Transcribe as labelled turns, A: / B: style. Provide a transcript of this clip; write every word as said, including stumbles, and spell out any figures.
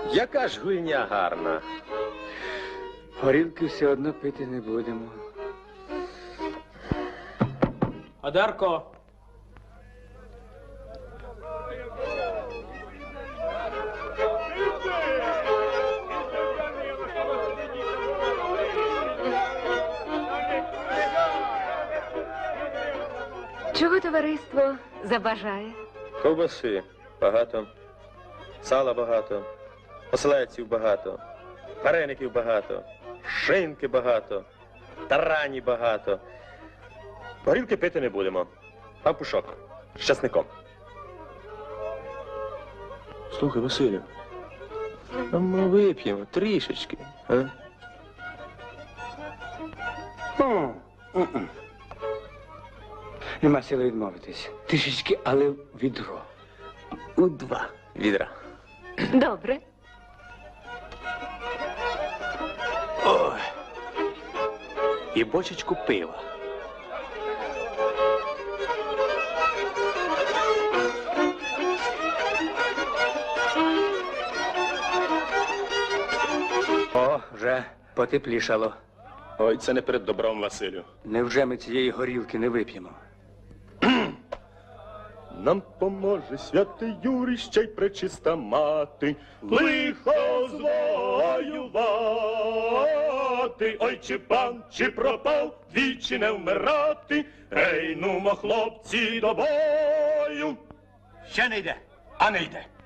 A: Яка ж гульня гарна.
B: Горілки все одно пити не будемо.
C: Одарко!
D: Чого товариство забажає?
A: Ковбаси багато, сала багато, оселедців багато, вареників багато, шинки багато, тарані багато. Горілки пити не будемо. Пампушок з часником. Слухай, Василю, а ми вип'ємо трішечки, а?
B: Нема сили відмовитись. Трішечки, але в відро.
A: У два відра.
D: Добре.
B: Ой. І бочечку пива. О, вже потеплішало.
A: Ой, це не перед добром, Василю.
B: Невже ми цієї горілки не вип'ємо?
E: Нам поможе святий Юрій, ще й пречиста мати, лихо звоювати. Ой, чи пан, чи пропав, двічі не вмирати. Ей, нумо, хлопці, до бою.
B: Ще не йде, а не йде.